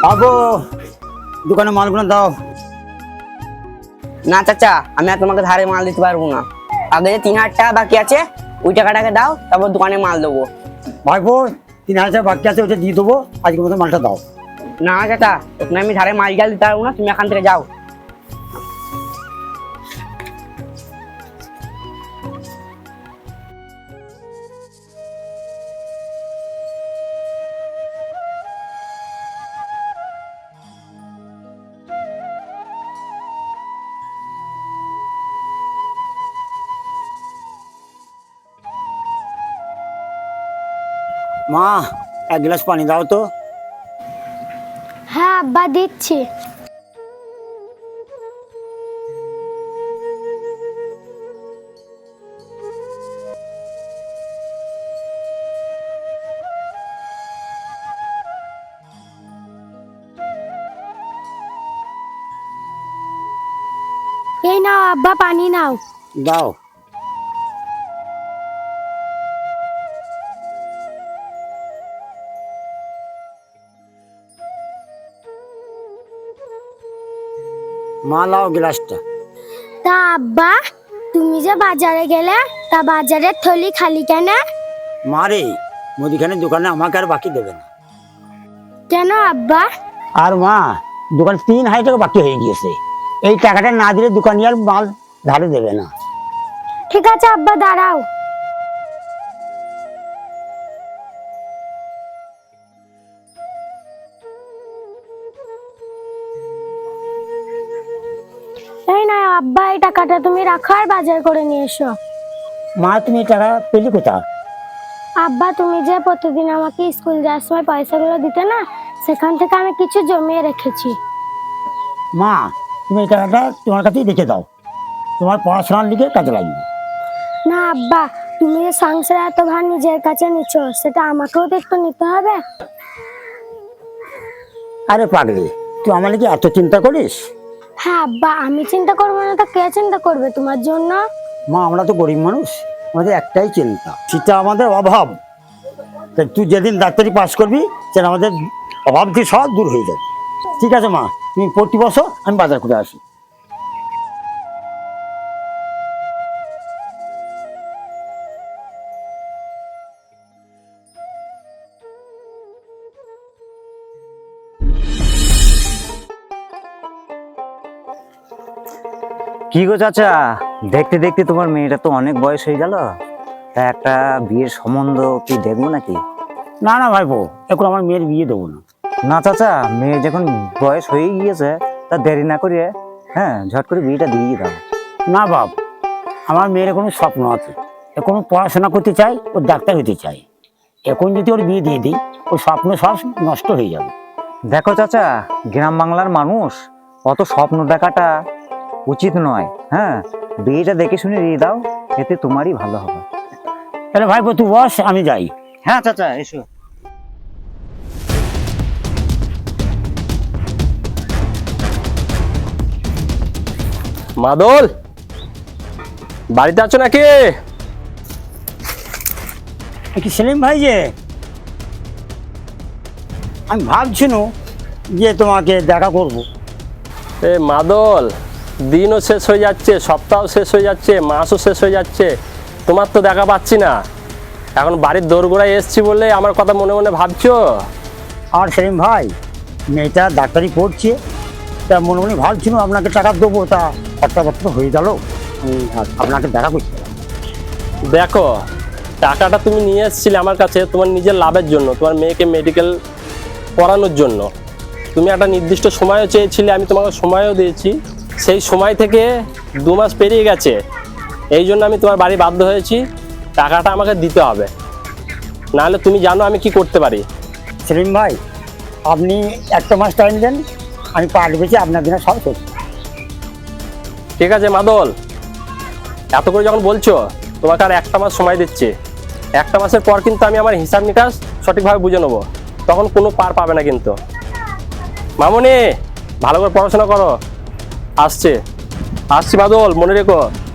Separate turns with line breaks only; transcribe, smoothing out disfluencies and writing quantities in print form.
আবো দোকানে মালগুলো দাও।
না চাচা, আমি আর তোমাকে ধারে মাল দিতে পারবো না। আগে যে 3,000 টাকা বাকি আছে ওই টাকাটাকে দাও, তারপর দোকানে মাল দেবো।
ভাইপো 3,000 বাকি আছে, ওটা দিয়ে দেবো, আজকের মতো মালটা দাও।
না চাচা, ওখানে আমি ধারে মাল দিতে পারবো না, তুমি এখান থেকে যাও।
মা 1 গ্লাস পানি দাও তো।
হ্যাঁ আব্বা দিচ্ছি। এই নাও আব্বা পানি নাও।
দাও। মা লাও গ্লাসটা।
তা আব্বা তুমি যে বাজারে গেলে, তা বাজারের থলি খালি কেন?
মা রে, মুদিখানার দোকানে আমাকে আর বাকি দেবে না।
কেন আব্বা?
আর মা, দোকানে 3,000 টাকা বাকি হয়ে গিয়েছে। এই টাকাটা না দিলে দোকানি আর মাল ধারে দেবে না।
ঠিক আছে আব্বা, দাঁড়াও। এই না আব্বা, এই টাকাটা তুমি রাখো আর বাজার করে নিয়ে এসো।
মা তুমি এই টাকা পেলি কোথা?
আব্বা তুমি যে প্রতিদিন আমাকে স্কুল যাওয়ার সময় পয়সাগুলো দিতে না, সেখান থেকে আমি কিছু জমিয়ে রেখেছি।
মা তুমি এই টাকাটা তোমার কাছেই রেখে দাও, তোমার পড়াশোনার দিকে কাজে লাগবে।
না আব্বা, তুমি যে সংসারে এত ভার নিজের কাছে নিচ্ছ, সেটা আমাকেও তো একটু নিতে হবে।
আরে পাগলি, তুই আমার কি এত চিন্তা করিস?
হ্যাঁ আব্বা, আমি চিন্তা করবো না তো কে চিন্তা করবে তোমার জন্য?
মা আমরা তো গরিব মানুষ, আমাদের একটাই চিন্তা, সেটা আমাদের অভাব। তাই তুই যেদিন ডাক্তারি পাস করবি সেটা আমাদের অভাব থেকে সব দূর হয়ে যাবে। ঠিক আছে মা, তুমি পড়তে বসো, আমি বাজার করে আসি।
কি গো চাচা, দেখতে দেখতে তোমার মেয়েটা তো অনেক বয়স হয়ে গেল, তা একটা বিয়ের সম্বন্ধ কি দেখবো নাকি?
না না ভাইপো, এখন আমার মেয়ের বিয়ে দেবো না।
না চাচা, মেয়ে যখন বয়স হয়ে গিয়েছে তা দেরি না করিয়ে ঝট করে বিয়েটা দিয়ে দাও।
না বাপ, আমার মেয়ের কোনো স্বপ্ন আছে, এখন পড়াশোনা করতে চাই, ও ডাক্তার হতে চাই। এখন যদি ওর বিয়ে দিয়ে দিই, ওর স্বপ্ন সব নষ্ট হয়ে যাবে।
দেখো চাচা, গ্রাম বাংলার মানুষ অত স্বপ্ন দেখাটা উচিত নয়। বিয়েটা দেখে শুনে দিয়ে দাও, এতে তোমারই ভালো হবে।
তাহলে ভাইপো তুই বস, আমি যাই।
হ্যাঁ চাচা, এসো।
মাদল, বাড়িতে আছো নাকি?
কি সেলিম ভাই, যে আমি ভাবছিনু যে তোমাকে দেখা করব।
এ মাদল, দিনও শেষ হয়ে যাচ্ছে, সপ্তাহ শেষ হয়ে যাচ্ছে, মাসও শেষ হয়ে যাচ্ছে, তোমার তো দেখা পাচ্ছি না। এখন বাড়ির দোরগোড়ায় এসছি বলে আমার কথা মনে মনে ভাবছো?
আর সেলিম ভাই, মেয়েটা ডাক্তারি পড়ছে, তা মনে মনে ভাবছিনু আপনাকে টাকা দেবো, তা কথাবার্তা হয়ে গেল, আমি আপনাকে দেখা করছি।
দেখো, টাকাটা তুমি নিয়ে এসেছিলে আমার কাছে তোমার নিজের লাভের জন্য, তোমার মেয়েকে মেডিকেল পড়ানোর জন্য। তুমি একটা নির্দিষ্ট সময়ও চেয়েছিলে, আমি তোমাকে সময়ও দিয়েছি। সেই সময় থেকে 2 মাস পেরিয়ে গেছে, এই জন্য আমি তোমার বাড়ি বাধ্য হয়েছি। টাকাটা আমাকে দিতে হবে, নাহলে তুমি জানো আমি কি করতে পারি।
সেলিম ভাই, আপনি 1 মাস টাইম দেন, আমি পাট বেঁচে আপনার দিনে সব করছি।
ঠিক আছে মাদল, এত করে যখন বলছো, তোমাকে আর 1 মাস সময় দিচ্ছি। 1 মাসের পর কিন্তু আমি আমার হিসাব নিকাশ সঠিকভাবে বুঝে নেবো, তখন কোনো পার পাবে না কিন্তু। মামুনি, ভালো করে পড়াশোনা করো। আসছি মাদল, মনে রেখো।